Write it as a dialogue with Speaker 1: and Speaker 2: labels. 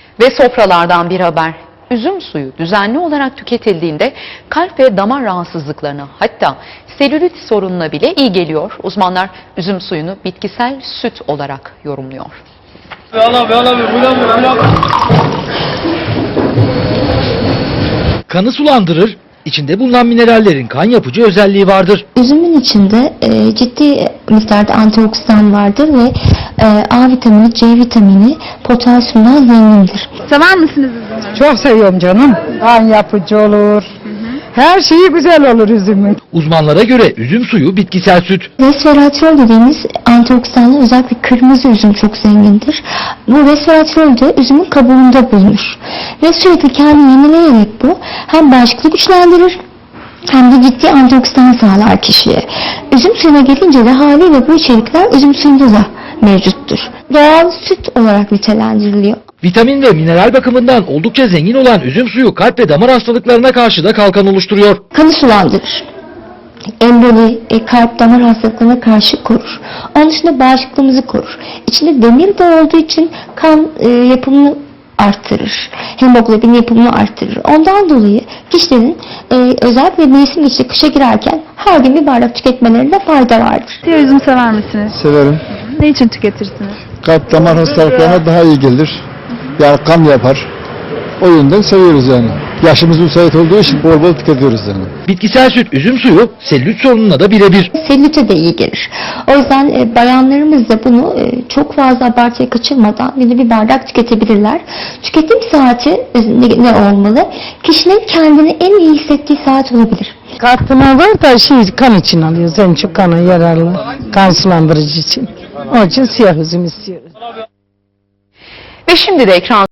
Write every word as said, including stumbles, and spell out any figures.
Speaker 1: Ve sofralardan bir haber. Üzüm suyu düzenli olarak tüketildiğinde kalp ve damar rahatsızlıklarına, hatta selülit sorununa bile iyi geliyor. Uzmanlar üzüm suyunu bitkisel süt olarak yorumluyor.
Speaker 2: Kanı sulandırır, içinde bulunan minerallerin kan yapıcı özelliği vardır.
Speaker 3: Üzümün içinde e, ciddi miktarda antioksidan vardır ve e, A vitamini, C vitamini, potasyumdan zengindir.
Speaker 4: Sever misiniz üzümü?
Speaker 5: Çok seviyorum canım. Kan yapıcı olur. Her şeyi güzel olur üzümün.
Speaker 2: Uzmanlara göre üzüm suyu bitkisel süt.
Speaker 3: Resveratrol dediğimiz antioksidanlı, özellikle kırmızı üzüm çok zengindir. Bu resveratrol de üzümün kabuğunda bulunur. Ve sürekli kendini yenileyerek bu hem bağışıklığı güçlendirir hem de ciddi antioksidan sağlar kişiye. Üzüm suyuna gelince de haliyle bu içerikler üzüm suyunda da mevcuttur. Doğal süt olarak nitelendiriliyor.
Speaker 2: Vitamin ve mineral bakımından oldukça zengin olan üzüm suyu kalp ve damar hastalıklarına karşı da kalkan oluşturuyor.
Speaker 3: Kanı sulandırır. Emboli, e, kalp damar hastalıklarına karşı korur. Onun dışında bağışıklığımızı korur. İçinde demir de olduğu için kan e, yapımını arttırır. Hemoglobin yapımını arttırır. Ondan dolayı kişilerin e, özellikle mevsim geçişi kışa girerken her gün bir bardak tüketmelerinde fayda vardır.
Speaker 4: Diğer üzüm sever misiniz?
Speaker 6: Severim.
Speaker 4: Ne için tüketirsiniz?
Speaker 6: Kalp damar hastalıklarına daha iyi gelir. Yani kan yapar. O yönden seviyoruz yani. Yaşımız müsait olduğu için bol bol tüketiyoruz yani.
Speaker 2: Bitkisel süt üzüm suyu selülit sorununa da birebir.
Speaker 3: Selülite de iyi gelir. O yüzden e, bayanlarımız da bunu e, çok fazla abartıya kaçırmadan bir de bir bardak tüketebilirler. Tüketim saati e, ne, ne olmalı? Kişinin kendini en iyi hissettiği saat olabilir.
Speaker 5: Katkına var da şey, kan için alıyoruz. En çok kana yararlı. Kan sulandırıcı için. Onun için siyah üzüm istiyoruz.
Speaker 1: Ve şimdi de ekran